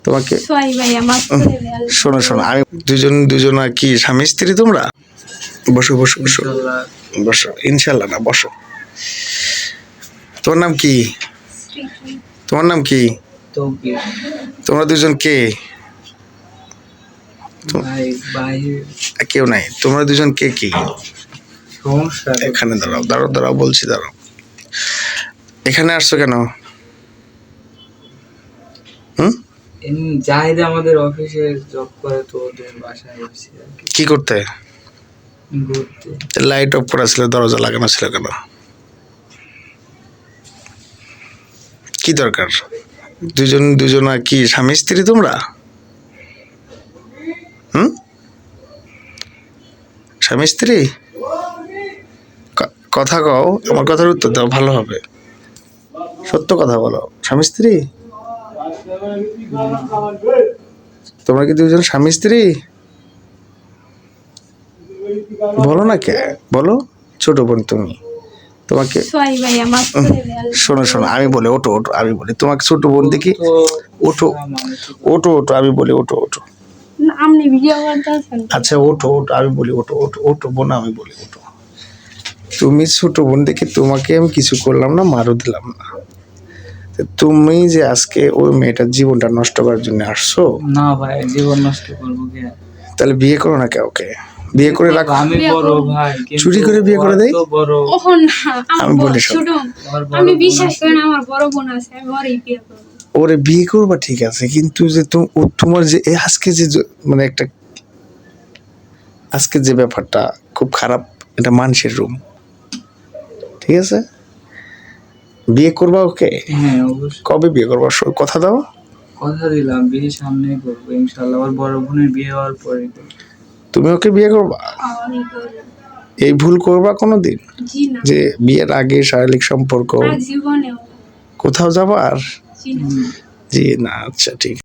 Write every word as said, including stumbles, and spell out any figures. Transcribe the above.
তোমাকে সোয়াই ভাই আমার শোনো শোনো আমি দুজন দুজন আর কি স্বামী স্ত্রী তোমরা? বসো বসো বসো বসো, ইনশাল্লাহ না বসো। তোমার নাম কি? তোমার নাম কি? তোমরা দুজন কে? কেউ নাই। তোমরা দুজন কে কি? এখানে দাঁড়াও দাঁড়াও দাঁড়াও বলছি, দাঁড়াও। এখানে আসছো কেন? হুম, জাহিদ আমাদের অফিসে জব করে, তো ওদের বাসায় এসেছি কি করতে? ঘুরতে। লাইট অফ করা ছিল, দরজা লাগানো ছিল কেন? কি দরকার? দুজন দুজন আর কি স্বামী স্ত্রী তোমরা? হুম, স্বামী স্ত্রী? কথা কও, আমার কথার উত্তর দাও, ভালো হবে। সত্য কথা বলো, স্বামী স্ত্রী? তোমরা কি দুজন স্বামী স্ত্রী? বলো না কে, বলো। ছোট বোন তুমি, তোমাকে সোয়াই ভাই আমার শোনো শোনো আমি বলি, ওঠো ওঠো আমি বলি, তোমাকে ছোট বোন দেখি। ওঠো ওঠো ওঠো আমি বলি, ওঠো ওঠো। আপনি ভিডিও করতেছেন? আচ্ছা ওঠো ওঠো আমি বলি, ওঠো ওঠো ওঠো বোন আমি বলি, ওঠো। তুমি ছোট বোন দেখে তোমাকে আমি কিছু করলাম না, মারও দিলাম না। তুমি যে আজকে ওই মেয়েটার জীবনটা নষ্ট করার জন্য আসছো। না ভাই, জীবন নষ্ট করবো কে? তাহলে বিয়ে করো না, কে ওকে বিয়ে করে রাখো। আমি বড় ভাই, চুরি করে বিয়ে করে দেয়। বড় ওহ না, আমি বলি শোনো, ছোট আমি বিশ্বাস করি না, আমার বড় বোন আছে, আমি ওরই বিয়ে করব। ওরে বিয়ে করবা ঠিক আছে, কিন্তু যে তোমার যে আজকে যে মানে একটা আজকে যে ব্যাপারটা খুব খারাপ, এটা মানুষের রুম, ঠিক আছে? বিয়ে করবা ওকে? হ্যাঁ অবশ্যই। কবে বিয়ে করবা কথা দাও? কথা দিলাম, বিয়ে সামনে করবো ইনশাআল্লাহ, ওর বড় বোনের বিয়ে হওয়ার পরে। তুমি ওকে বিয়ে করবা? আমি করব। এই ভুল করবা কোনোদিন? জি না। যে বিয়ের আগে শারীরিক সম্পর্ক আর জীবনেও কোথাও যাবার? জি না। জি না, আচ্ছা ঠিক।